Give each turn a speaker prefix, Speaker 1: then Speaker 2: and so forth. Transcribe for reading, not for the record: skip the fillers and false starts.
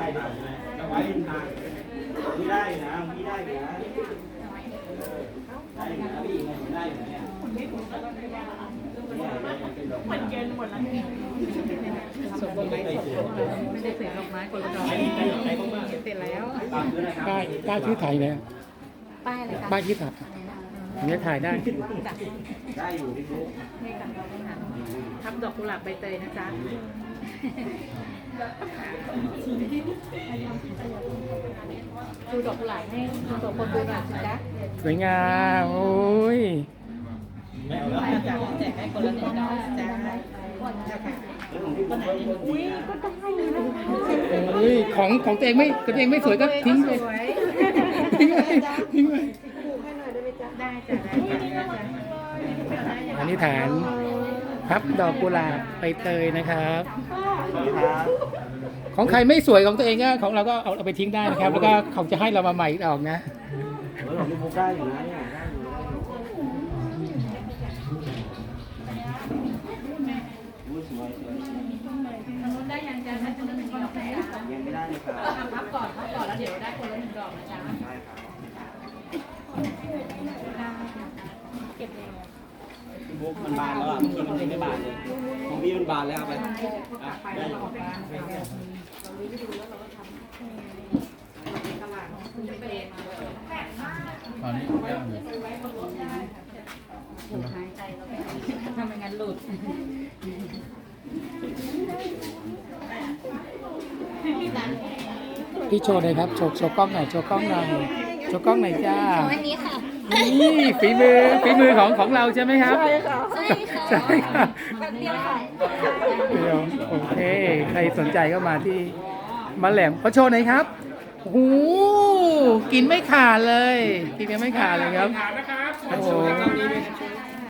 Speaker 1: จะไว้เป็นทางพี่ได้นะพี่ได้นะได้นะพี่ไงได้เนี่ย
Speaker 2: เหมือนเย็นหมดแล้วส่งดอกไม้ไม่ได้เสร็จดอกไม้คนละดอกเสร็จแล้ว
Speaker 3: ป้ายชื่อไทยเนี่ย
Speaker 2: ป้ายอะไรคะ
Speaker 3: ป้ายชื่อไทยเนี่ยถ่ายได้
Speaker 1: ได้อยู่พี่บุ๊ก
Speaker 2: นี่ค่ะทำดอกกุหลาบใบเตยนะจ๊ะดูดอกกุหลาบให้ดูดอกคนดูหน่อยสิจ๊ะ
Speaker 3: สวยงามโอ้ย
Speaker 1: ไม่เอาแล้ว
Speaker 2: จากแจกให้คนละหนึ่งดอกจ้าอุ้ยก็ได้เลยนะ
Speaker 3: เฮ้ยของตัวเองไม่สวยก็ทิ้งไปทิ้งไปทิ้งไป
Speaker 2: ได้จ้ะได้
Speaker 3: อันนี้ฐานพับดอกกุหลาบใบเตยนะครับ ของใครไม่สวยของตัวเองก็ของเราก็เอาไปทิ้งได้นะครับ แล้วก็เขาจะให้เรามาใหม่อีกออกนะ
Speaker 1: ของพี่บุ๊กได้อยู่นะเนี่ยได้อยู่สวย
Speaker 2: ทางนู้นได้ยังจ้าทางนู้นเป็นคนละแผล
Speaker 1: ยังไม่ได้เลยครับ
Speaker 2: พับก่อนแล้วเดี๋ยวได้คนละหนึ่งดอกนะจ๊ะ
Speaker 1: ได้ครับ
Speaker 2: เก็บเลย
Speaker 1: พี่บุ๊กมันบานแล้วอ่ะเมื่อกี้มันไม่บานเลยของพี่มันบานแล้วไปได้อยู่
Speaker 3: ตอนนี้ย่างอยู่
Speaker 2: ทำยังไงหลุด
Speaker 3: พี่โชว์เลยครับโชว์กล้องหน่อยโชว์กล้องหน่อยโชว์กล้องหน่อยจ้า
Speaker 4: อันนี้ค่ะ
Speaker 3: นี่ฝีมือของเราใช่ไหมครับ
Speaker 4: ใช่ค่ะ
Speaker 3: ใช่ค่ะ
Speaker 4: แบบเดียวค่ะ
Speaker 3: เดี๋ยวโอเคใครสนใจก็มาที่มะแหลมเขาโชว์หน่อยครับโอ้โหกินไม่ขาดเลยกินยังไม่ขาดเลยครับโอ้โห